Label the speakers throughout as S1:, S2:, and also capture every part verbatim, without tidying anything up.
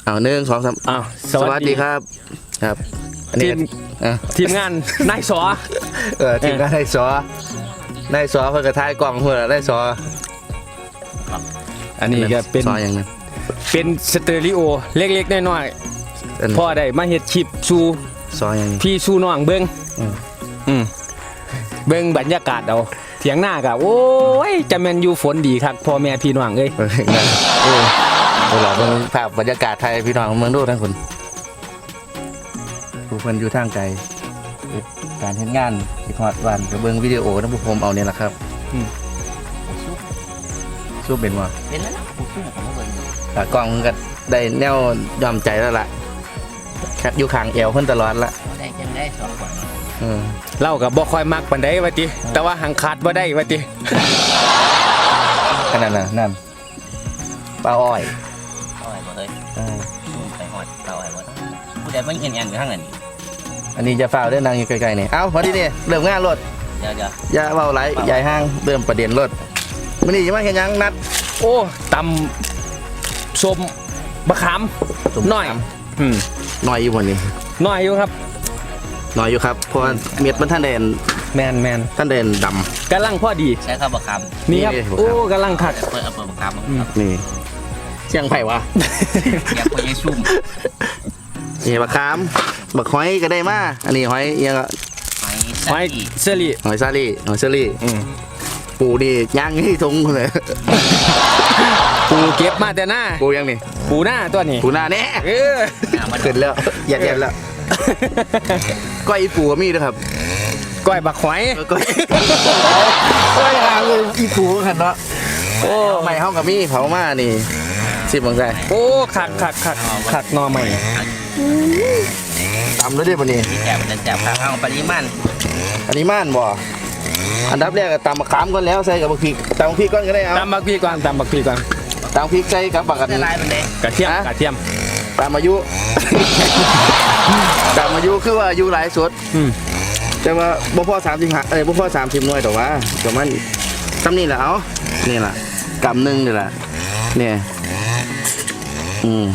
S1: เอาหนึ่งสองสาม
S2: อ้าว
S1: สวัสดีครับครับอันนี้
S2: ทีม
S1: อ่ะ
S2: ทีมงานนายสอ
S1: เออทีมงานได้สอนายสอเพื่อกระทายกล่องเพื่อได้สอ
S2: อันนี้ก็เป็น
S1: สออย่างนั้น
S2: เป็นสเตอริโอเล็กๆน้อย
S1: อัน
S2: ๆพ่อได้มาเฮ็ดคลิปสู่
S1: สออย่างนี้
S2: พี่สู่น้องเบิ่ง
S1: อืม
S2: อืมเบิ่งบรรยากาศเอาเถียงหน้าก็โอ้ยจะแม่นอยู่ฝนดีคักพ่อแม่พี่น้องเอ้ย
S1: เออนั่นเออเวลาเบิ่งภาพบรรยากาศไทยพี่น้องเมืองดูทั้งคนผู้คนอยู่ทางไกลการเฮ็ดงานที่ฮอดวันก็เบิ่งวิดีโอทั้งผู้ผมเอาเนี่ยแหละครับสู้เป็นว่า
S3: เป็นแล้วนะผมสู้ผมไม่เบิ่ง
S1: แต่กล้องมันก็ได้แนวยอมใจแล้วล่ะแคทอยู่ข้างเอวเพิ่นตลอดละ
S3: ได้จังได้สองคน
S1: อืม
S2: เล่าก็บ่ค่อยมักปานใดว่าติแต่ว่าหังขาดบ่ได้ว่าติ
S1: ขนาดนั้นนั่นปลาอ้อย
S3: เอาไว้บ่เฮ้ย
S1: เออ
S3: ไปหอดเอาไว้บ่ผู้ใดมันเงียนๆอยู่ข้างนั้น
S1: อันนี้จะฝ้าวเด้อนางอยู่ใกล้ๆนี่เอ้าพอดีนี่เริ่มงานรถ
S3: เดี๋ยวเดี๋ยว
S1: อย่าเว้าไหลใหญ่ห้างเริ่มประเด็นรถมื้อนี้จะมาเฮ็ดหยังนัด
S2: โอ้ตำส้มบะขามน้อยอืม
S1: หน่อยอยู่บ่นี่
S2: น้อยอยู่ครับ
S1: หน่อยอยู่ครับเพราะว่าเม็ดมันท่านเด่น
S2: แมนแมน
S1: ท่านเด่นดำ
S2: กำลังพอดี
S3: ใช้ข้าวบะค
S2: นี่ครับ
S1: นี่เลย
S2: โอ้กำลังคัก
S3: ำเปิดเอาเปิดบะคำ
S2: อืม
S1: นี่เชียงไผ่วะ
S3: อยากไปยังชุ่ม
S1: นี่บักขามบักหอยก็ได้มาอันนี้หอยเอียงก็
S3: ไม้
S2: ไว้
S3: สักกี่
S2: เซรี
S1: หอยซาลี่หอยเชอรี่
S2: อืม
S1: ปูนี่ย่างให้ทงเลย
S2: ปูเก็บมาแต่หน้า
S1: ปูยังนี่
S2: ปูหน้าตัวนี้
S1: ปูหน้าแน่
S2: เออ
S3: หน้ามัน
S1: ขึ้นแล้วเหยัดๆแล้วก้อยอีปูก็มีด้วยครับ
S2: ก้อยบักหอย
S1: ก้อยก้อยหางเลยอีปูกันเนาะ
S2: โอ้
S1: ใหม่ห้องกับมีเผามานี่สิบบังไง
S2: โอ้คักคักคักคักหนอใหม่
S1: ตำแล้วได้ปะนี่
S3: แจ่มจะแจ่มเอาปริมาณ
S1: อันนี้ม่านบ่อันดับแรกก็ตำมะขามก่อนแล้วใส่กับบักพริกตำบักพริกก่อนก็ได้เอา
S2: ตำบักพีก่อนตำบักพีก่อน
S1: ตำพริกใส่กับบักกัน
S3: ละลายมันเด้
S2: กระเทียมกระเทียม
S1: ตามอายุ ตามอายุคือว่าอายุหลายสุด
S2: อืม
S1: แต่ว่าบ่พอสามสิบห้าเอ้ยบ่พอสามสิบหน่วยแต่ว่าประมาณซ้ำนี่แหละเอานี่แหละกำหนึ่งนี่แหละเนี่ยอืม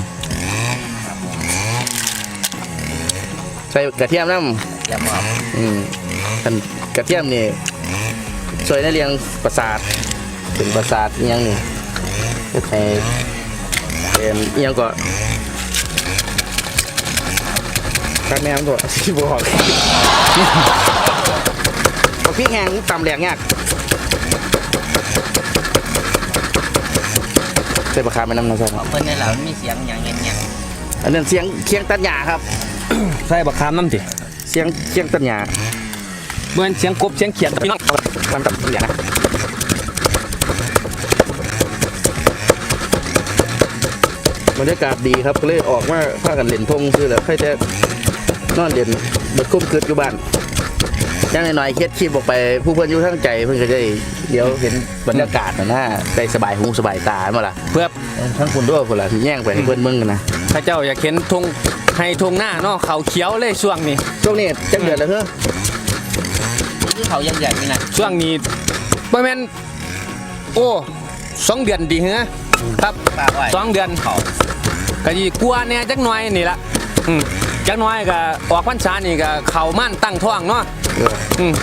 S1: ใส่กระเทียมน้ำ
S3: อย่าบอก
S1: อืมคันกระเทียมนี่ช่วยในเรียงประสาทถึงประสาทอิหยังนี่เฮ็ดให้เป็นอิหยังก็กัดแม่มตัวที่บอก บักพริกแห้งตำแหลกยากใส่ปลาคาร์ไปน้ำนะใช่ครับ
S3: เพิ่นในเหล่ามีเสียงอย่างเงี้ย
S1: อันนั้นเสียงเคียงตัดหญ้าครับ
S2: ใส่บักขามน้ำติ
S1: เสียงเคียงตัดหญ้า
S2: เหมือนเสียงกบเสียงเขียดพี่น้อง
S1: ตำตัดหญ้านะบรรยากาศดีครับก็เลยออกมาพากันเล่นทงคือแล้วใครจะนอนเล่นเบิดคุ้มคืดอยู่บ้านย่างหน่อยๆเคล็ดคลิปออกไปผู้เพื่อนอยู่ทั้งใจเพื่อนก็จะได้เดี๋ยวเห็นบรรยากาศนะนะได้สบายหูสบายตาเมื่อล่ะ
S2: เพื่อ
S1: ทั้งคุณด้วยคนละแย่งไปให้เพื่อนมึงกันนะ
S2: พระเจ้าอยากเห็นทงให้ทงหน้าเนาะเขาเขียวเลยช่วงนี้
S1: ช่วงนี้จังเดือนแล้วเฮ้อ
S3: คือเขายังใหญ่นี่นะ
S2: ช่วงนี้ประมาณโอ้สองเดือนดีเหรอครับ
S3: ปลาอ้อย
S2: สองเดือน
S3: เขา
S2: ก็ยีกลัวเนี่ยจักหน่อยนี่ละอืมจักหน่อยก็ออกพรรษานี่ก็เขามั่นตั้งท้องเนาะ
S1: เออ
S2: อืม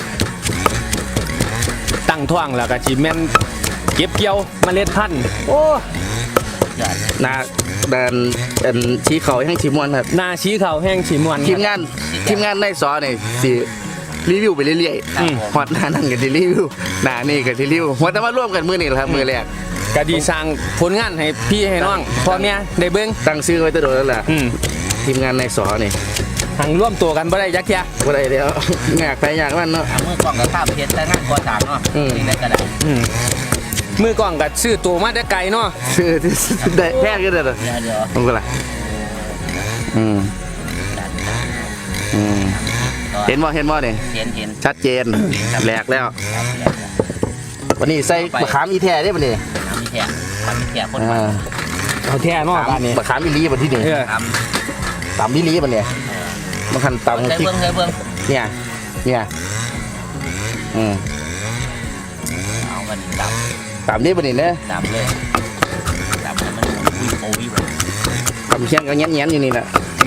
S2: ตั้งท้องแล้วก็สิแม่นเก็บเกี่ยวเมล็ดพันธุ์โอ้
S3: ใหญ่
S1: นาแดนอันชี้เขาแห่งชีมวนครับ
S2: หนาชี้เขาแห้งฉีมวน
S1: ทีมงานทีมงานในซอเนี่ยสิรีวิวไปเรื่อย
S3: ครับผม
S1: ๆฮอตหน้านั่นก็สิรีวิวหน้านี่ก็สิรีวิวหัวแต่มาร่วมกันมือนี่แหละครับมือแรก
S2: ก็ดีสร้างผลงานให้พี่ให้น้องพ่อแม่ได้เบิ่ง
S1: ตั้งชื่อไว้แตะโดนแล้วแหละ
S2: อืม
S1: ทีมงานในซอนี่
S2: หังร่วมตัวกันบ่ได้ยักแยะ
S1: บ่ได้แล้วอยากไปอยากมันเนาะ
S3: เอามือกล้องกับข้าวเพชรแต่งานก่อสร้างเนาะ
S1: อืม
S3: นี่ได้ก็ได้
S2: อืมมือกล้องก็ซื้อตัวมาแต่ไกลเนาะ
S1: ชื่อที่ได้แพ้ก็ได้เลย
S3: เดี๋ยวเดี๋ยว
S1: มันก็ล่ะอืมอืมเห็นบ่เห็นบ่เนี่ย
S3: เห็นเห็น
S1: ชัดเจนแหลกแล้ว วันนี้ใส่มะขามอีแท้ได้ป่ะนี่
S3: ทำมีแถบทำมีแถบคน
S1: อ่า
S2: เอาแท้เนาะบ้านนี้
S1: มะขามอีลีป่ะที่นี่
S2: เออ
S3: ท
S1: ตำอีลีป่ะเนี่ยมันคัน
S3: ำ
S1: ตำ
S3: เคย
S1: พริก
S3: เบิ้งเคยเบิ้ง
S1: เนี่ยเนี่ยอืม
S3: เอากันดับ
S1: ตำนี่ป่ะนี่เนอะ
S3: ดับเลยดับให้มันคุยโอวิว
S1: ตำเชียงก็แง้นๆอยู่นี่แหละ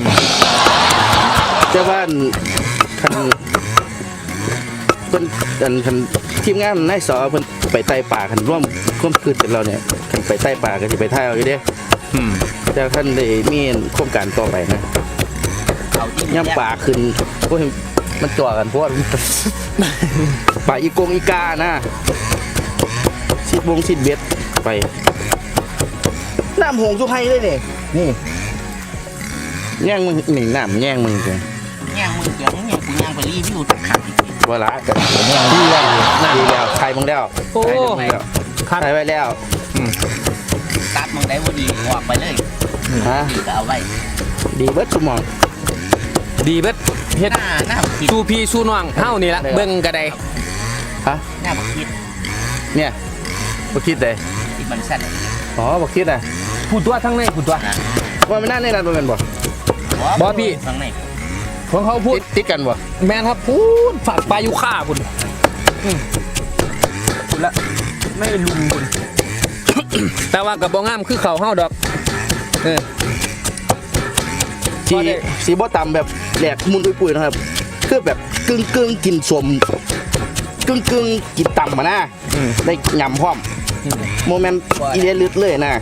S1: แต่ว่าคันเพิ่นอันคันทีมงานนายสอเพิ่นไปไต่ป่าคันร่วมร่วมคืนกับเราเนี่ยคันไปไต่ป่าก็สิไปถ่ายเอาอยู่เด้
S2: อืม
S1: แต่ท่านได้มีโครงการต่อไปนะ
S3: เอาที่
S1: ย่ำป่าขึ้นโอ้ยมันจ่อกันเพราะว่า ป่าอีกงอีกานะชิดวงชิดเบ็ดไปน้ำหงสุไพเลยเนี่ยนี่แย่งมึงหนึ่งน้ำแย่งมึงเลย
S3: ย่างมึงเดี๋ยวมึงย่างกูย่างไปรีวิวตัดขาดอีกที
S1: เวลากันแย่งดีแล้วดีแล้วใครมึงแล้ว
S2: โอ้
S1: ใครมึงแล้ว
S2: ครับ
S1: ใครไว้แล้ว
S3: ตัดมึงได้บ่ดีออกไปเลย
S1: ฮะ
S3: ดีก็เอาไว้
S1: ดีเบิดสมอง
S2: ดีเบิดเฮ็ด
S3: หน้าหน้าบักคิด
S2: สู้พี่สู้น้องเฮานี่ละเบิ่งก็ได้
S1: ฮะ
S3: หน้าบักคิด
S1: เนี่ยบักคิดเลย
S3: ที่มันสั้น
S1: อ๋อบักคิดอ่ะ
S2: พูดตัวทั้งในพูดตัว
S3: นะ
S1: ว่าไม่น่าแน่นอนเป็นบ่
S2: บอสพี่
S3: ข้างใน
S2: ของเขาพูด
S1: ติดติดกันบ่
S2: แมนครับพูดฝากปลายุค่าพุ่นอืมพุ่นละไม่ลุงพุ่น แต่ว่ากับบ่งามคือเขาเฮาดอกเออ
S1: สี
S2: พอได้
S1: สีบ่ต่ำแบบแหลกมุนปุยๆนะครับคือแบบกึ่งกึ่งๆกินสมกึ่งกึ่งๆกินต่ำมานะ
S2: อืม
S1: ได้ยำพร้อม
S2: อืม
S1: โมเมนต์อีเดลึดเลยนะ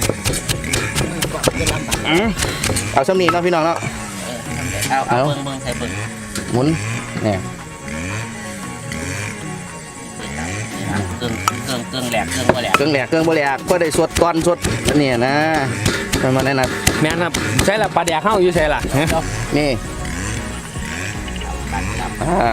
S1: อืมเอาสำนีเนาะพี่น้องเนาะ
S3: เอาเอา
S1: เอา
S3: เบิ่งเบิ่งใส่เบิ่ง
S1: หมุนเนี่ย
S3: เกิงเกิงเกิงแหลกเกิงบ่แหลก
S1: เครื่องแหลกเครื่องบ่แหลกก็ได้สวดตอนสวดเนี่ยนะมันมาแน่นะ
S2: แมนครับใช่ละปลาแดกเฮาอยู่ใช่ละฮะ
S1: นี่
S3: ปันครับ
S1: อ่า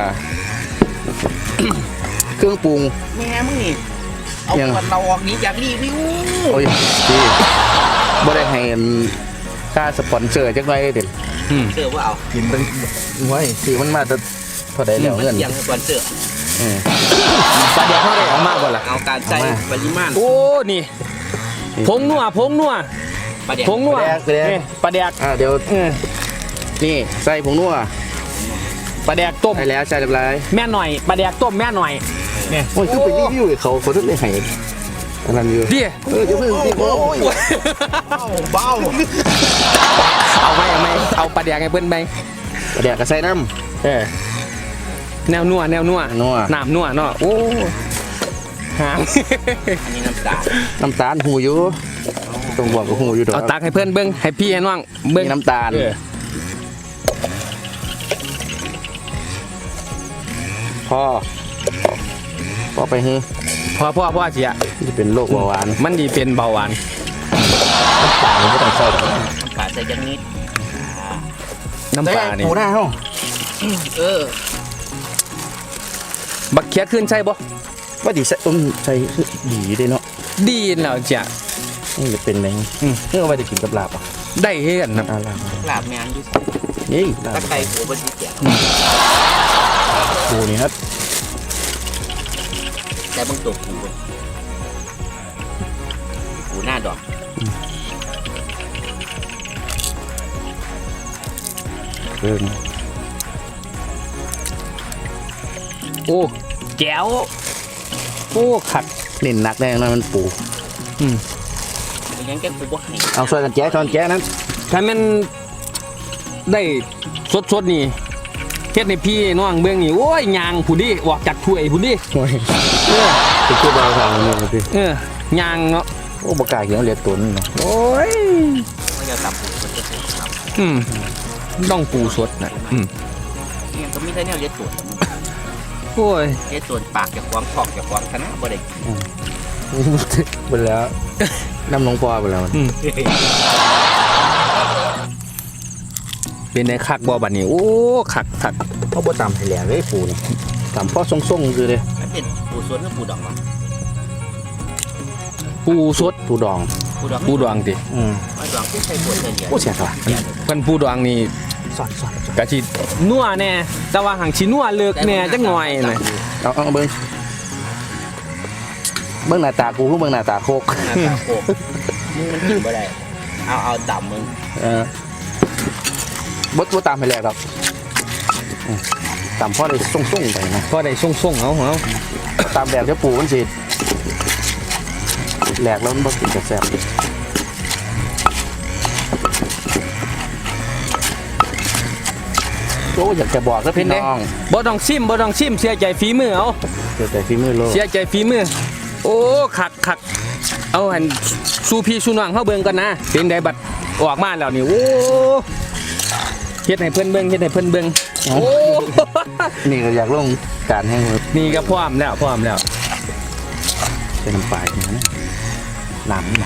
S1: เครื่องปรุง
S3: แม่มึงนี่เอา
S1: ยัง
S3: ขวดเราออกนี้อยากรีวิว
S1: โอ้ยดีบ่ได้ให้ค่าสปอนเซอร์จักหน่อยเด็ด
S2: อืม
S3: เสื้อว่าเอา
S1: กินเป็นไว้ซื้อมันมาจะเท่าใดแล้วเงิน
S3: ยังก่อนเสื้อ
S1: เออ
S2: ปลาแดกเฮาได้ออกมากกว่าล่ะ
S3: เอาการใช้
S1: เอามา
S3: ปริมาณ
S2: โอ้นี่ผงนัวผงนัว
S3: ประเดี๋ยว
S2: ผงนัว
S1: ปลาแดกปลาแดก
S2: นี่ปลาแดก
S1: อ่าเดี๋ยว
S2: เออ
S1: นี่ใส่ผงนัว
S2: ปลาแดกต้ม
S1: ใส่แล้วใส่เรียบร้อย
S2: แม่หน่อยปลาแดกต้มแม่หน่อยเนี่ย
S1: โอ้ยคือไปรีวิวให้เขาเขาถึงได้ให้อันนั้นอยู่
S2: ดิ
S1: เออเดี๋ยวเพิ่งสิโอ้ย
S3: เบา
S2: เอาไหมเอาไหมเอาปลาแดกให้เพิ่นไป
S1: ปลาแดกก็ใส่น้
S2: เออแนวนัวแนวนัว
S1: นัว
S2: น้ำนัวเนาะโอ้หาง
S3: อันนี้น้ำตาล
S1: น้ำตาลหูอยู่ต้องบอกกับหูอยู่ดอก
S2: เอาตักให้เพื่อนเบิ้งให้พี่ให้น้องเบิ้ง
S1: มีน้ำตาล
S2: เออ
S1: พอพอไปฮือ
S2: พอพ่อพ่อเสีย
S1: จะเป็นโรคเบาหวาน
S2: มันดีเป็นเบาหวาน
S1: ตาลไม่ต้องใส่หรอก
S3: น้ำตาลใส่จังนิด
S2: น้ำปลานี่
S1: หมูหน้าเฮา
S3: เออ
S2: บักเขียขึ้นใช่บ่
S1: ว่าดีใส่ต้มใส่ดีเด้เนาะ
S2: ดีแล้วจ้ะ
S1: นี่จะเป็นไง
S2: อืม
S1: นี่เอาไปจะกินกับลาบอ่ะ
S2: ได้เฮ็ดนะ
S1: อ่าลาบ
S3: ลาบแมนอยู่
S1: นี่ลา
S3: ตะ
S1: บ
S3: ไคร้หัวบนที่เกียบ
S1: ปูนี่ครับ
S3: แต่บางตัวหูหูหน้าดอก
S1: เพิ่ม
S2: โอ้แก้วโอ้ขัด
S1: เน้นหนักแน่นอนมันปู
S2: อืม
S3: มันยังแก้กูบ่ให้
S1: เอาช่วยกันแจ๊ช้อนแจ๊นั้น
S2: ถ้าแม่นได้สดๆนี่เฮ็ดให้พี่น้องเบิ่งนี่โอ้ยยางผู้ดิออกจากถ้วยผู้ดิ
S1: โอ้ย
S2: เออ
S1: คือคือเบาทางนี่พี่
S2: เออยางเนาะ
S1: โอ้บกล้าเขียวเลียดตุนเนาะ
S2: โอ้ย
S3: ไม่จะตับหูมันจะถูกตับ
S2: อืมต้องปูสดนะอืม
S3: เนี่ยก็ไม่ได้แนวเลี้ยตรวจ
S2: โอ้ย
S3: เลี้ยตรวจปากจากควางทอกจากควางคณะบ่ได้
S1: หมดแล้วน้ำลงปอไปแล้ว
S2: อืมเป็นในคักบ่บัดนี้โอ้คักคัก
S1: เขาบ่ตำให้แหลกเลยปูนี่ตำพ่อส่งๆคือเลย
S3: มันเป็นปูสวนกับปูดองวะ
S2: ปูสด
S1: ปูดอง
S3: ปูดอง
S2: ปูดองติ
S1: อืม
S3: ปูดองที่ใส่ปูเฉลี่ย
S1: ผู้เสียสละ
S2: เพิ่นปูดองนี่
S1: สอนสอนสอน
S2: กะสินัวแน่แต่ว่าหังสินัวเลิกแน่จักหน่อยน่ะ
S1: เอาเอาเบิ้งเบิ้งหน้าตากูคือเบิ้งหน้าตาโคก
S3: หน้าตาโคกมึงมันกินบ่ได้เอาเอาต่ำมึง
S1: เออบ่บ่ตามให้แหลกหรอกอืมตามพ่อได้ส่งๆไปนะ
S2: พอได้ส่งๆเอาเอา
S1: ตามแบบเจ้าปูมันสิแหลกแล้วมันบ่กินกระแซ่บอ้อยากจะบอกแล้ว
S2: เป็
S1: พี่
S2: นไง
S1: น้อง
S2: บ่ต้องซิมบ่ต้องซิมเสียใจฝีมือเอา
S1: เกิดแต่ฝีมือโลก
S2: เสียใจฝีมือโอ้คักคักเอาหันสู้พี่สู้น้องเฮาเบิ่งกันนะเป็นไดบัดออกมาแล้วนี่โอ้เฮ็ดให้เพิ่นเบิ่งเฮ็ดให้เพิ่นเบิ่งโอ้
S1: นี่ก็อยากลงการให้มัน
S2: นี่ก็พร้อมแล้วพร้อมแล้ว
S1: เป็นน้ำปลาอย่างนั้นหนำนะ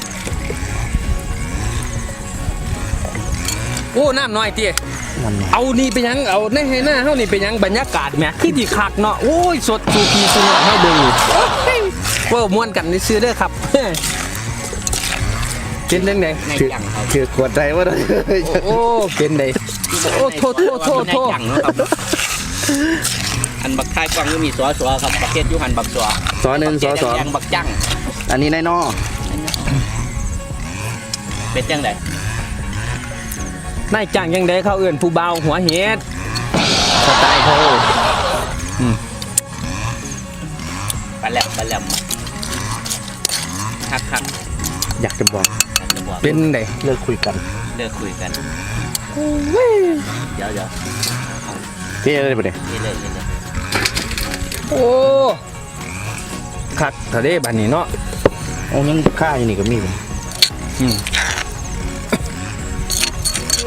S2: โอ้น้ำน้อยติ
S1: มันเนี่ย
S2: เอานี่ไปยังเอาในให้หน้าเฮานี่ไปยังบรรยากาศแหมคือที่คักเนาะโอ้ยสดสู้พี่สู้น้องเฮาเบิ่งนี่เว้าม่วนกันซื่อเด้อครับเป็นจังได๋
S3: ในจังครับ
S1: คือกดใจว่าได้
S2: โอ้เป็นไดโอ้โทษโทษโทษโทษ
S3: ในจังเนาะครับอันบักท้ายกวางก็มีสัวสัวครับประเภทยูหันบักสัว
S1: สอหนึ่งสอสอง
S3: ยังบักจัง
S1: อันนี้นายนอ
S3: เป็นจังได
S2: นายจ้างยังไดเขาเอื้อนผู้เบาหัวเฮ็ด
S1: สไตล์เขา
S3: ปลาแหลมปลาแหลมคักคัก
S1: อยากจะบอก
S3: อันจะบอก
S2: เป็นได
S1: เลิกคุยกัน
S3: เลิกคุยกันเดี๋ยวเดี๋ยว
S1: พี่อะไรไปเนี่ย
S3: นี่เลยนี่เลย
S2: โอ้คักทะเลบัดนี้เนาะ
S1: โอ้ยังค่าอยู่นี่ก็มีผม
S2: อืมโอ้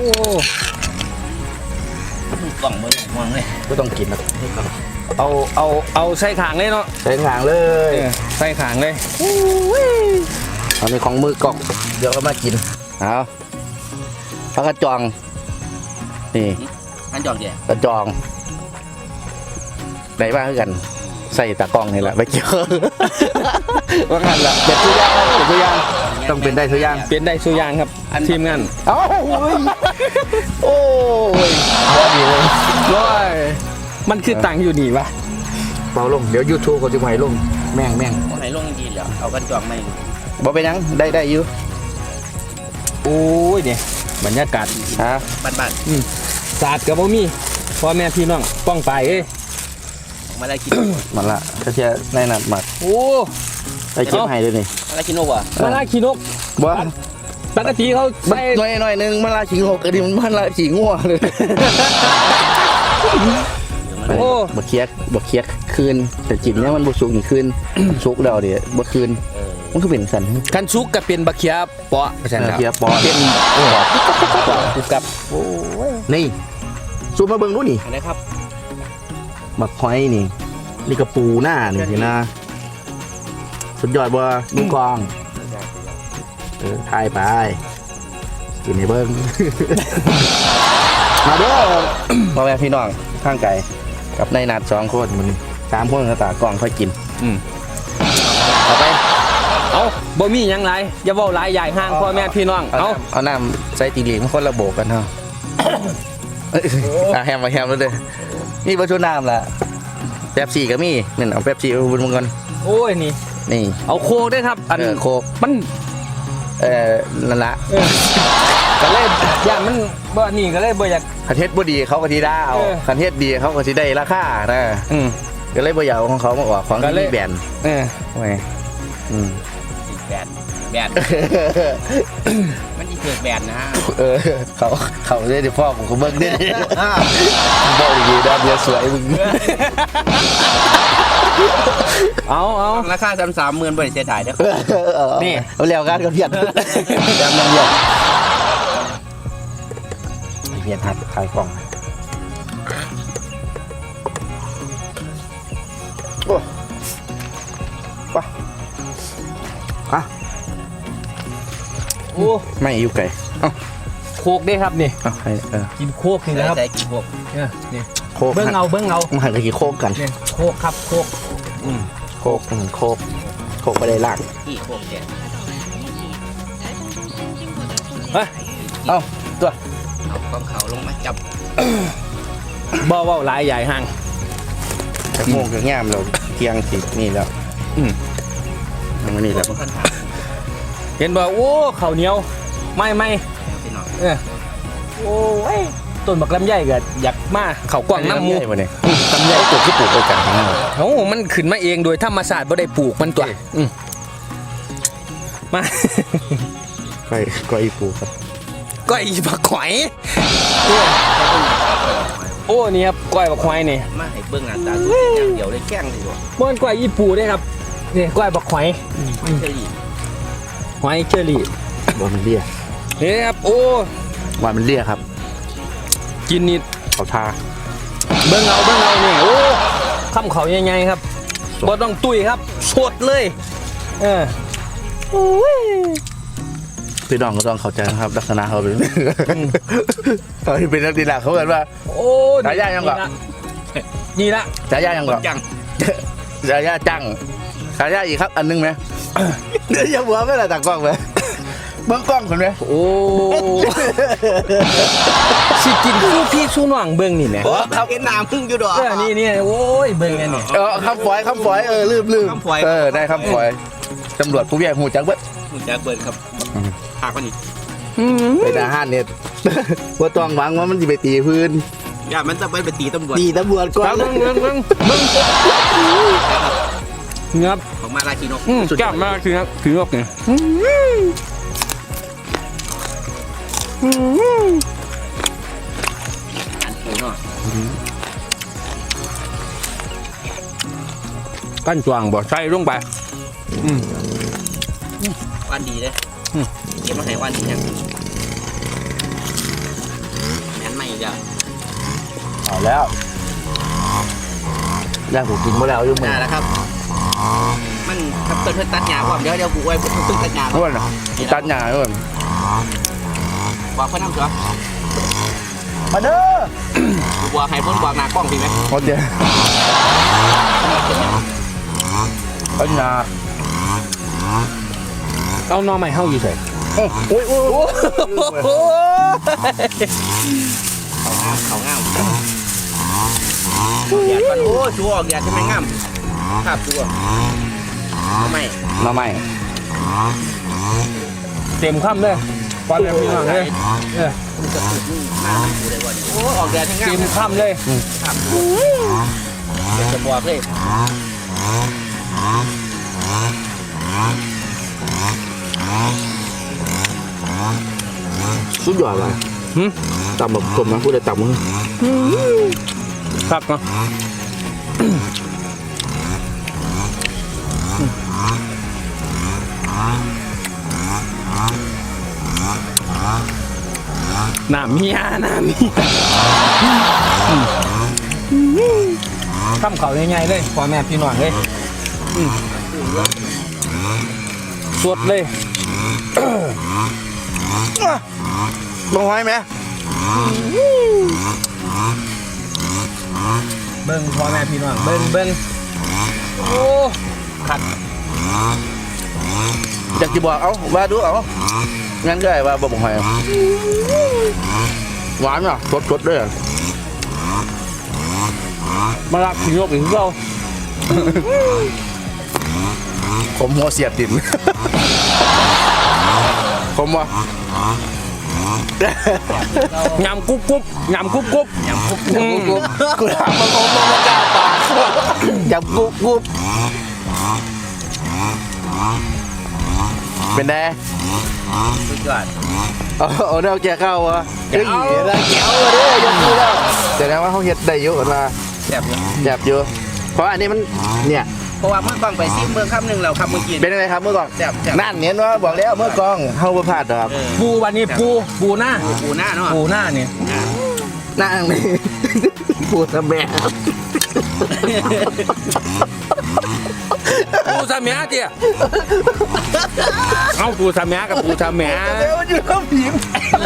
S3: กล่องมือมองเลย
S1: ก็ต้องกินนะ
S2: เอาเอาเอาใส่ขางเลยเนาะ
S1: ใส่ทางเล
S2: เอย อใส่ขางเลย
S1: เอาในของมือกล่องเดี๋ยวก็มากินเอาปลากระจองนี่
S3: อันจอกเดียว
S1: กระจองได้บ้างคือกัน ใส่ตากล้องนี่แหละไปเกี่ยว ว่างั้นละเด็ดทุกอย่างเด็ดทุกอย่างต้องเป็นได้ทุกอย่าง
S2: เป็นได้สุอยางครับทีมงาน
S1: เอ้าโอ้ยโอ้ยพอดีเลย
S2: ร้อยมันคือตังอยู่นี่วะ
S1: เบาลงเดี๋ยวยูทูบเขาจะให้ลงแม่งแม่ง
S3: เอาไหนลงดีแล้วเอากันจอกไม่
S1: บ่เป็นหยังได้ได้อยู่
S2: โอ้ยเนี่ยบรรยากาศ
S1: ฮะ
S3: บ้านบ้าน
S2: ศาสตร์กับบ่มีพ่อแม่พี่น้องป้องไปเอ้ย
S3: มาได้กิน
S1: มันละก็เชียในนัดหมัด
S2: โอ้
S1: ไปเก็บให้ด้วยนี่
S3: มาได้กินนกวะ
S2: มาลาขี้นก
S1: บ่
S2: ปกติเขา
S1: มัน
S2: ใส่
S1: หน่อยหน่อยหนึงมันละขิงหกอันนี้มันมันละขิงงัวเลย
S2: โอ้
S1: บ่เคียกบ่เคียกคืนแต่จิบเนี่ยมันบ่สุกนี่คืน สุกแล้วเดี๋ยวบ่คืน
S3: เออ
S1: มันคือเป็นสัน
S2: คันซุกกับเป็นบักเขียเปาะประชันครับ
S1: บักเขียเปาะ
S2: เป็นเปาะกูกับ
S1: นี่ซูมมาเบิ่งดูนี่
S3: อันไหนครับ
S1: บักหอยนี่นี่กระปูหน้านี่สินะสุดยอดบ่ดูกองเออทายไปกินให้เบิ่ง มาเด้อ พ่อแม่พี่น้องข้างไก่กับนายนัดสองคนมันสามคนก็ตากล้องค่อยกิน
S2: อืม
S1: เอาไป
S2: เอาบ่มีหยังไรอย่าเว้าหลายใหญ่ห้างพ่อแม่พี่น้องเอา
S1: เอาน้ำใส่ตีเหลียงคนละโบกกันเนาะเอ้ยอ่ะแฮมมาแฮมแล้วเด้อนี่บรรจุน้ำล่ะแป๊บซี่ก็มีนี่นเอาแป๊บซี่มาบุญมึงก่อน
S2: โอ้ยนี่
S1: นี่
S2: เอาโคกด้วยครับ อัน
S1: เออโคก
S2: มัน
S1: เอ่อนั่นละ
S2: เออก็เลยย่านมันบ่นี่ก็เลยบ่อยาก
S1: คันเทศบ่ดีเขาก็ทีได้เอา
S2: เออ
S1: คันเทศดีเขาก็ทีได้ราคานะ
S2: อืม
S1: ก็เลยบ่อยากเอาของเขามาออกของ
S2: ก็
S1: ที่
S2: เลย
S1: มีแบรนด์
S2: เออ
S1: โอ้ยอืม
S3: แบนแบนมันอีเกิดแบนนะฮะ
S1: เออเขาเขาได้ที่พ่อผมเขาเบิ่งได้บอกดีๆนะเบียร์สวยมึง
S2: เอาเอา
S3: ราคาสามสามหมื่นบริเสียถ่ายเด้อ
S2: นี่
S1: เอาแล้วกันกับเพียรจำยังเพียรไอเพียรหัดขายกล่องโอ้ปะอ่ะ
S2: โอ้
S1: ไม่อยู่ไกลเอ้า
S2: โคกด้วยครับนี่
S1: เอ้าให้เออ
S2: กินโคกนี่นะครับ
S3: ใส่กี่พวก
S2: เนี่ยนี่
S1: โคก
S2: เบิ้งเอาเบิ้งเอา
S1: มันหันไปกี่โคกกัน
S2: เนี่ยโคกครับโคกอืม
S1: โคกอืมโคกโคกไม่ได้ล่าง
S3: กี่พวกเดียว
S2: เฮ้ย
S1: เอ้าตัว
S3: เอากองเขาลงมาจับ
S2: บ่เว้าหลายใหญ่ห้าง
S1: จะโมงจะง่ามเราเที่ยงสินี่แล้ว
S2: อืม
S1: มันนี่แล้ว
S3: คนถาม
S2: เห็นบ่โอ้ข้าวเหนียวไม่ไม่
S3: พี่น้อง
S2: เออโอ้ยต้นบักลำไยก็อยากมาเขากว้างน้ำหมู
S1: ใหญ่ปะเนี่ยลำไยปลูกที่ปลูกไปกันทั้งนั้น
S2: โอ้มันขึ้นมาเองโดยธรรมชาติบ่ได้ปลูกมันตัวอืมมา
S1: ก็ก็อีปลูกครับ
S2: ก็อีบักหอย
S3: เ
S2: อ้นี่ครับก้อยบักควายนี่
S3: มาให้เบิ่งหน้าตาตัวอย่างเดียวเลยแข้งเลยบ่
S2: ม้วนก้อยญี่ปุ่นด้วยครับนี่ก้อยบักควาย
S3: ไม่ใช่ดิ
S2: ควายเชอรี่
S1: ว่ามันเลี่ย
S2: นี่ครับโอ้
S1: ว่ามันเลี่ยครับ
S2: กินนี่
S1: เขาทา
S2: เบิ่งเอาเบิ่งเอานี่โอ้คำเขาใหญ่ๆครับบ่ต้องตุ้ยครับสดเลยเออโอ้ย
S1: พี่น้องก็ต้องเข้าใจนะครับลักษณะเขาเป็นเขาเป็นนักกีฬาเขาเกิดว่า
S2: โอ้
S1: ฉายายังก่อน
S2: นี่ละ
S1: ฉายายังก่อน
S3: จัง
S1: ฉายาจังฉายาอีกครับอันนึงไหมเดี๋ยวอย่าหัวไม่ละตากล้องไหมเบิ้งกล้องคนไหม
S2: โอ้สิกินสู้พี่สู้น้องเบิ่งนี่แหละ
S3: โอ้เขาเห็นน้ำพึ่งอยู่ดอก
S2: เออนี่นี่โอ้ยเบิ่งอันนี้
S1: เออคำฝอยคำฝอยเออลืมลืม
S3: คำฝอย
S1: เออได้คำฝอยตำรวจผู้ใหญ่หูจักเบิ้
S3: มึงจะเบิดครับหากมันอีก
S1: เป็นอาหารเนี่ยว่าต้องหวังว่ามันจะไปตีพื้น
S3: อย่ามันจะไปไปตีตำรวจ
S1: ตีตำรวจก่อน
S2: เบิ่งเบิ่งเบิ่งเบิ่งครับ
S3: ของมาลาคีนก
S2: อืมกล้ามากคือครับคือนกเนี่ย
S3: อันปูเนาะ
S2: กั้นจวงบ่ใส่ลงไปอืม
S3: วันดีเลย
S2: อืม
S3: เก็บมาให้วันดียังงั้นไม่อีกอ่ะ
S1: เอาแล้วย่างผมกินมาแล้วยุ่งไหม
S3: น่าแล้วครับ มันครับเพิ่นเพิ่นตัดหญ้าความเดี๋ยวเดี๋ยวกูไว้เพิ่นเพิ่นตัดหญ้า
S1: อ้วนเหรอตัดหญ้าอ้วน
S3: บอกเพิ่นน้ำเสือ
S1: มาเด้อ
S3: กูบอกให้เพิ่นบอกหน้ากล้องพี่ไหม
S1: โอเคตัดหญ้า
S2: เอาหน่อไม้เฮาอยู่ใส่
S1: โอ้ยโอ้ยโอ้ย
S2: โอ้
S3: เขางามเขางามแดดก่อนโอ้ชัวออกแดดใช่ไหมงามครับชัวทำไม
S1: หน่อไม้
S2: เต็มคำเลยความแบบพี่น้องเลยเออ
S3: มันจะปลูกนี่มาดูเลยว่าโอ้ออกแดดให้งา
S2: เต็
S3: ม
S2: มคำเลย
S3: ครับเดี๋ยวจะบอกเลย
S1: สุดยอดเลย
S2: หึ
S1: ต่ำแบบกลมนะพูดได้ต่ำมึง
S2: ครับเนาะน้ำเมียน้ำเมียคำเขาง่ายๆเลยพ่อแม่พี่น้องเลยอืมสดเลย
S1: ลงไว้ไหม
S2: เบิ้งพ่อแม่พี่น้องเบิ้งเบิ้งโอ้ขัด
S1: อยากจะบอกเอาว่าดูเอางั้นก็ไอ้ว่าบอกหอยหวานอ่ะสดสดด้วย
S2: มาลักถึงยกอีกเรา
S1: ผมหัวเสียบดิน ผมว่าย
S2: ำกุ๊บกุ๊บยำกุ๊บกุ๊บ
S3: ยำคุก
S1: ยำกุ๊บกุ๊บกูถามมันผมมันกล้าปากยำกุ๊บกุ๊บเป็นไง
S3: สุดยอด
S1: เอาเอาเดาแกเข้าวะเฮ้ยได้แก้วมาเด้อยกมือแล้วแต่นะว่าเขาเฮ็ดได้เยอะกว่า
S3: แซ่บอยู่
S1: แซ่บเยอะเพราะอันนี้มันเนี่ย
S3: เพราะว่าเมื่อกล้องไปซิมเมืองคำหนึ่งแล้วคำเมื่อกี้
S1: เป็นยังไงครับเมื่อก่อน
S3: แซ่บแซ่บ
S1: นั่นเห็นว่าบอกแล้วเมื่อกองเข้าประพลาดหรอกครับ
S3: เออ
S2: ปูวันนี้ปูปูหน้า
S3: ปูหน้าเนาะ
S2: ปูหน้าเนี่ย
S1: นั่งนี่ ปวดแม่
S2: ปูสามแม่เตี้ยเอาปูสามแม่กับปูสามแม่
S1: เดี๋ยวอยู่ข้างผีม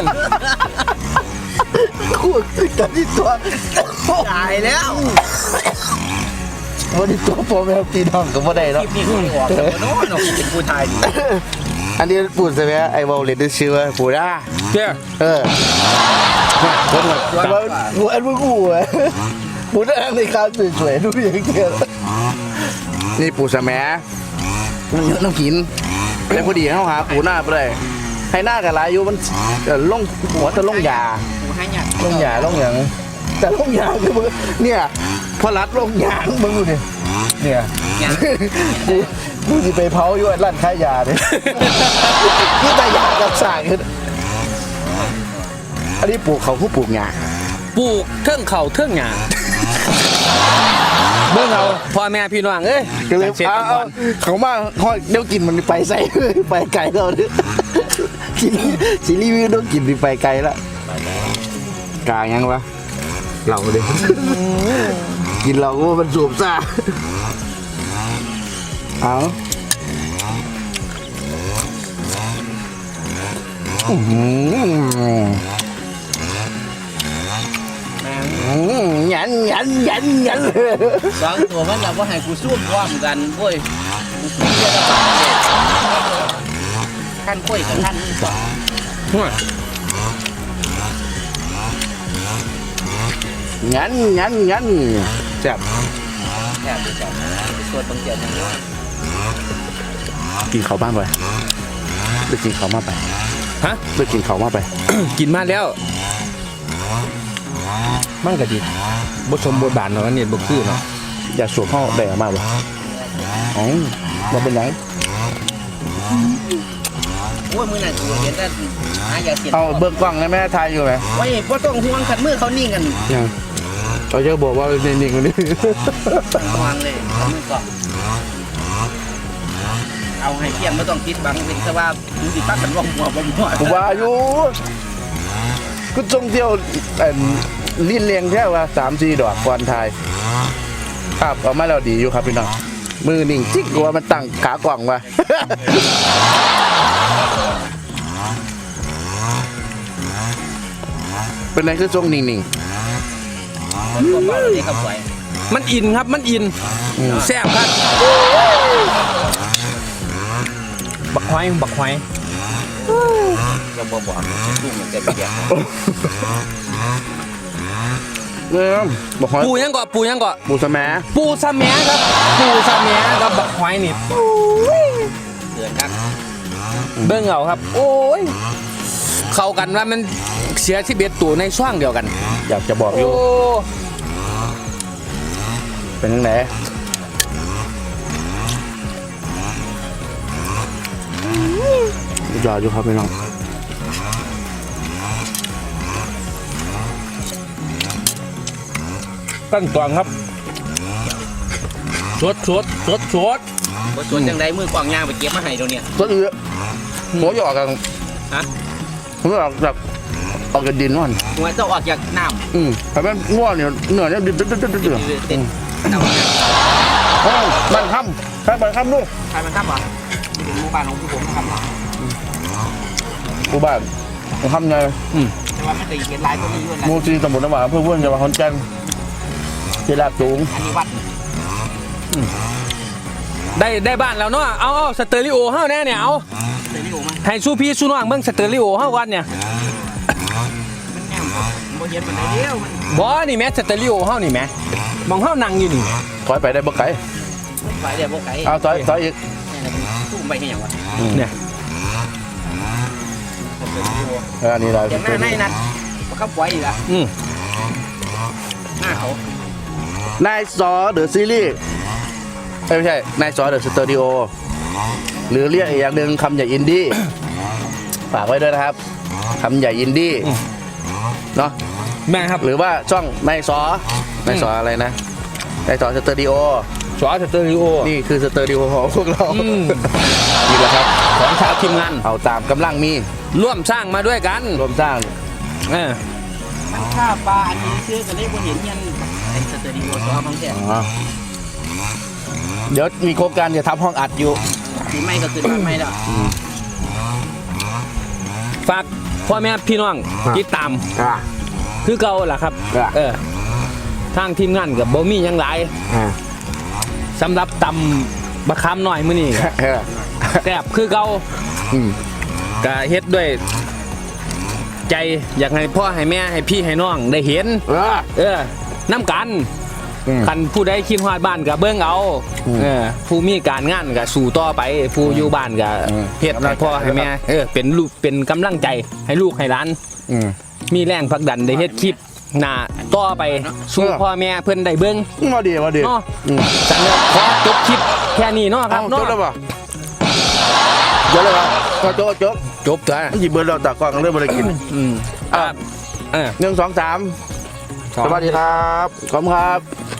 S1: ขูดกันที่ตัว
S3: ตายแล้ว
S1: วันนี้ตัวโปรแมวตีน้องก็บ่ได้
S3: ค
S1: แล้ว
S3: ลิปนี้เขาออกแต่ว่าโน้นเป็นผู้ชายดี
S1: อันนี้ปูดใช่ไหมไอ้วอลเลตชื่อว่าปูด้า
S2: เตี้ย
S1: เออคนแบบแต่ว่าหัวอันมึงกูอ่ะปูด้าในคราวสวยๆดูอย่างเงี้ยนี่ปูสะแหมมันเยอะน้ำหินแล้วพอดีเขาหาปูหน้าไปเลยให้หน้ากับลายอยู่มันเอ่อล่งหัวจะล่งยา
S3: ปูให้เนี่ย
S1: ล่งยาล่งหยังแต่ล่งยาคือมึงเนี่ยพอรัดล่งยางมึงดูดิเนี่ย
S3: เนี่ย
S1: กูกูจะไปเผาอยู่ร้านขายยาเนี่ยนี่แต่ยากับสางคืออันนี้ปลูกเขาผู้ปลูกยา
S2: ปลูกเทิงเขาเทิงหญ้าเบิ่งเอาพ่อแม่พี่น้องเอ้ย
S1: ก็เลย
S2: เสร็จ
S1: เอา
S2: ก่
S1: เอา
S2: อน
S1: เขามาห้อยเดี๋ยวกินมันไปใส่ ไปไกลแล้วเนี่ยสิสิรีวิวต้องกินไปไกลแล้วกลางยังวะเราเด็กินเราก็ว่ามันสูบซ่าเอาอื้อหือ
S3: แม่ง
S1: อืมหยันหยันหยันหยัน
S3: สองตัวมันเราว่าให้กูสู้พร้อมกันโว้ยกูสู้เยอะแล้วท่านคุยกับท่าน
S1: หยันหยันหยันแซ่บ
S3: แค่ดูจับส่วนบางเกียร์ยังไง
S1: กินเขาวบ้างไปไปกินเขาวมาไป
S2: ฮะ
S1: ไปกินเขาวมาไป
S2: กินมาแล้ว มันก็ดีบ่สมบทบาทเนาะอันนี้บ่คือเนาะ
S1: อย่าสวมห้องแดงมากเลยอ๋อมาเป็นไง
S3: โอ้ยมือนั่นกูเห็นแต่หายาเสียน
S1: เอาเบิกกล้องได้ไหมทายอยู่ไหม
S3: โอ้ยพ่ต้องห่วงขัดมือเขานิ่งกัน
S1: ยังเขาจะบอกว่าเป็นนิ่งๆคนนี้
S3: ห่วงเลยขัดมือก่อนเอาให้เพียงไม่ต้องคิดบังเป็นแค่ว่ามึงติดปักกันร่องหัวบ่หัว
S1: ผมว่าอยู่ก็จงเที่ยวเอ่อลิ้นเลียงแค่ว่าสามสี่ดอกก่อนทายครับเอามาแล้วดีอยู่ครับพี่น้องมือนิ่งจิ๊กกว่ามันตั้งขากล่องว่ะ เป็นไรคือทรงนิ่ง
S3: คนตัวเบาเลยครับสวย
S2: มันอินครับมันอินแซ่บครับบักหอยบักหอย
S3: เราบ่บอกสู้เหมือนกันเดียว
S1: ๆเนี่ยบอกว่า
S2: ปูยังเกาะปูยังเกาะ
S1: ปูสะแม
S2: ปูสะแหมครับปูสะแหมกับบักหอยนี่
S3: เดือนครับ
S2: เบิ่งเอาครับ โอ้ยเข้ากันว่ามันเสียชีวิตตัวในช่วงเดียวกัน
S1: อยากจะบอกอ
S2: โอ้
S1: ยู่เป็นยังไงยอดอยู่ครับพี่น้อง
S2: ตั้งตวงครับสดสดสดสด
S3: บ่สวนจังไดมือกวางย่างไปเก็บมาให้เดี๋ยวนี้
S1: ต้นเอือหัวหยอกกัน
S3: ฮะ
S1: หัวหยอกจากออกจากดินนั่น
S3: หัวเจ้าออกจากน้ำ
S1: อืมทำให้ง่วงเนี่ยเหนื่อยเนี่ยดืดดืดดืดดืดดืด
S3: เต้นเอา
S1: โอ้บันค่ำใช่บันค่ำลูก
S3: ใครมันครับวะนี่เป็นหมู่บ้านของผู้ผมครับวะ
S1: กูบ้านบันค่ำไง
S3: แต่ว่าไม่ได้เห็นลายก็มีอยู่นะ
S1: มูซีตำบลน้ำหวานเพื่อนเพื่อนจะมาคอนแก่นเจลาดสูง
S3: อันนี้วัด
S2: ได้ได้บ้านแล้วเนาะเอาเอาสเตอริโอเฮาแน่เนี่ยเอา
S3: เดี๋ยวนี้โอ้มัน
S2: ให้สู้พี่สู้น้องเบิ่งสเตอริโอเฮาก่อนเนี่ย
S3: มันแง่มบ่เห็นมันได้เดียวมัน
S2: บ่นี่แม่สเตอริโอเฮานี่แม่มองเฮานั่งอยู่นี่
S1: ถอยไปได้บ่ไกล
S3: ไปเดี๋ยวพวกไก่
S1: เอาถอยถอยอีก
S3: สู้ไปให้ยังวะ
S2: เนี่ย
S1: เอออันนี้เรา
S3: อย่างหน้าในนัดประคับไว้อีกอ่ะ
S2: อืม
S3: หน้าเขา
S1: นายซอเดอะซีรีส์เอ้ยไม่ใช่นายซอเดอะสตูดิโอหรือเรียกอีกอย่างหนึ่งคำใหญ่อินดี้ฝากไว้ด้วยนะครับคำใหญ่อินดี้เนาะ
S2: แม่ครับ
S1: หรือว่าช่องนายซอนายซออะไรนะนายซอสตูดิโอ
S2: สอสเตอริโอ
S1: นี่คือสตูดิโอของพวกเรา
S2: อืม
S1: นี่แหละครับ
S2: ของชาวทีมงาน
S1: เอาตามกำลังมี
S2: ร่วมสร้างมาด้วยกัน
S1: รวมสร้าง
S2: เออ
S3: มันฆ่าปลาอันนี้ชื่อก็เลยบ่เห็นยันไอ้สเตอริโอซอบางแค่
S1: อ๋อเดี๋ยวมีโครงการจะทำห้องอัดอยู่
S3: สีไม่ก็คือบ้านไม่แล้ว
S2: ฝากพ่อแม่พี่น้องติดตาม
S1: อ่า
S2: คือเก่าล่ะครับ
S1: อ่ะ
S2: เออทางทีมงานกับบ่มีหยังหลาย
S1: อ่า
S2: สำหรับตำบะคามหน่อยมื้อนี้
S1: เออ
S2: แซ่บคือเก่า
S1: อืม
S2: ก็เฮ็ดด้วย ใจอยากให้พ่อให้แม่ให้พี่ให้น้องได้เห็น
S1: เออ
S2: เออน้ำกัน
S1: อืม
S2: คันผู้ใดคิดฮอดบ้านก็เบิ่งเอา
S1: อืม
S2: เออผู้มีการงานก็สู่ต่อไป ผู้อยู่บ้านก็
S1: อืม
S2: เฮ็ดให้พ่อให้แม่เออเป็นลูกเป็นกำลังใจให้ลูกให้หลาน
S1: อืม
S2: มีแรงผลักดันได้เฮ็ดคลิปหน้าต่อไปสู่
S1: เออ
S2: พ่อแม่เพิ่นได้เบิ่ง
S1: มาดีมาดี
S2: เนาะ
S1: อืม
S2: จังเลยขอจบคลิปแค่นี้เนาะครั
S1: เอา
S2: บ
S1: จ
S2: เนาะ
S1: บแล้วป่ะจบแล้วป่ะก็จบจบ
S2: จบจ้ะ
S1: หยิบเบอร์เราตากล้องเริ่มมาได้กิน
S2: อืม
S1: อ่ะ
S2: เออ
S1: หนึ่งสองสามสวัสดีครับขอบคุณครับ